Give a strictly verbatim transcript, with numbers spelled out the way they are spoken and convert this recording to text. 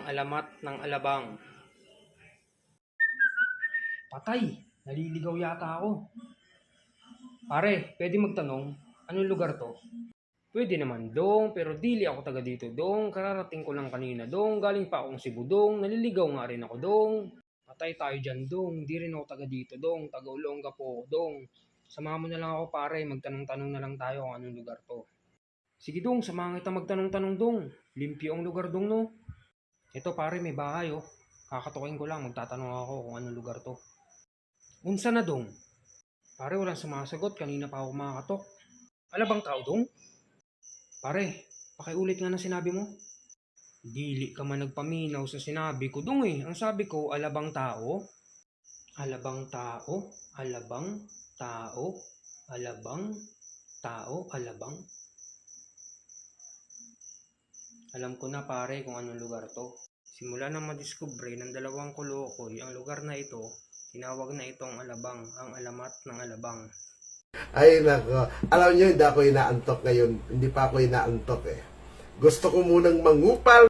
alamat ng alabang. Patay! Naliligaw yata ako. Pare, pwede magtanong, anong lugar to? Pwede naman dong, pero dili ako taga dito dong. Kararating ko lang kanina dong. Galing pa akong Cebu dong. Naliligaw nga rin ako dong. Patay tayo dyan dong. Di rin ako taga dito dong. Taga Olonga po dong. Samahan mo na lang ako pare. Magtanong-tanong na lang tayo kung anong lugar to. Sige dong, samahan kita magtanong-tanong dong. Limpyo ang lugar dong no. Ito pare, may bahay oh. Kakatukin ko lang. Magtatanong ako kung anong lugar to. Unsa na dong? Pare, walang sumasagot. Kanina pa ako makakatok. Alabang tao dong? Pare, pakiulit nga na sinabi mo. Dili ka man nagpaminaw sa sinabi ko dong eh. Ang sabi ko, alabang tao. Alabang tao. Alabang tao. Alabang tao. Alabang. Alam ko na pare kung anong lugar to. Simula na madiskubre ng dalawang kulukoy ang lugar na ito, tinawag na itong alabang, ang alamat ng alabang. Ay nako, alam nyo hindi ako inaantok ngayon, hindi pa ako inaantok eh. Gusto ko munang mangupal